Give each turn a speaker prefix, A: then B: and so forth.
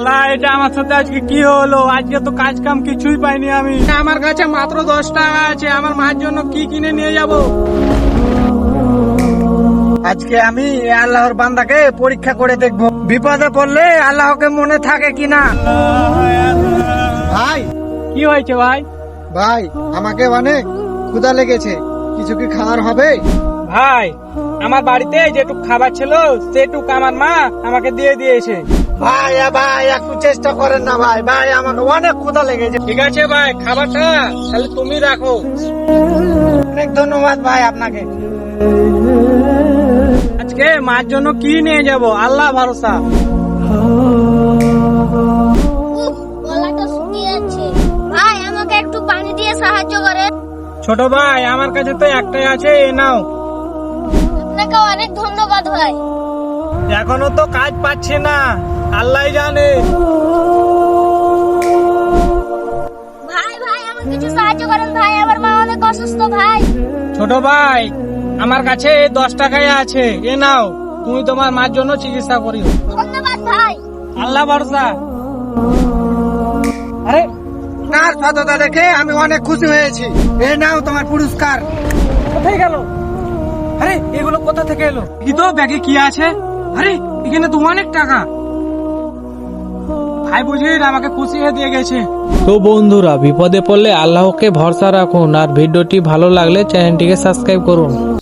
A: আল্লাহ, এটা আমার সাথে আজকে কি হলো? আজকে তো কাজ কাম কিছুই পাইনি আমি। আমার কাছে মাত্র 10 টাকা আছে, আমার মার জন্য কি কিনে নিয়ে যাব? আজকে আমি আল্লাহর বান্দাকে পরীক্ষা করে দেখব, বিপদে পড়লে আল্লাহকে মনে থাকে কিনা।
B: ভাই
A: কি হয়েছে ভাই?
B: ভাই আমাকে অনেক ক্ষুধা লেগেছে, কিছু কি খাবার হবে?
A: ভাই, আমার বাড়িতে যেটুক খাবার ছিল সেটুক আমার মা আমাকে দিয়ে দিয়েছে।
B: ভাই ভাই একটু চেষ্টা করেন না ভাই, ভাই আমাকে অনেক ক্ষুধা লেগেছে।
A: ঠিক আছে ভাই, খাবারটা তাহলে তুমি রাখো।
B: অনেক ধন্যবাদ ভাই আপনাকে।
A: আজকে মার জন্য কি নিয়ে যাব? আল্লাহ ভরসা।
C: গলাটা শুকিয়ে যাচ্ছে, ভাই আমাকে একটু পানি দিয়ে সাহায্য করে।
A: ছোট ভাই, আমার কাছে তো একটাই আছে, এ নাও।
C: আপনাকে অনেক ধন্যবাদ ভাই।
A: এখনো তো কাজ পাচ্ছি না, আল্লাহ জানে।
C: ভাই ভাই আমাকে কিছু সাহায্য করেন ভাই, আমার মা অনেক অসুস্থ ভাই।
A: ছোট ভাই, আমার কাছে 10 টাকাই আছে, এ নাও, তুমি তোমার মার জন্য চিকিৎসা করিও।
C: ধন্যবাদ ভাই।
A: আল্লাহ ভরসা। আরে,
B: আপনার সততা দেখে আমি অনেক খুশি হয়েছি, এই নাও তোমার পুরস্কার।
A: কোথায় গেল? আরে, এগুলো কোথা থেকে এলো? কি তো ব্যাগে কি আছে? আরে, এখানে তো অনেক টাকা। ভাই বুঝি আমাকে খুশি হয়ে দিয়ে গেছে।
D: তো বন্ধুরা, বিপদে পড়লে আল্লাহকে ভরসা রাখুন, আর ভিডিওটি ভালো লাগলে চ্যানেলটিকে সাবস্ক্রাইব করুন।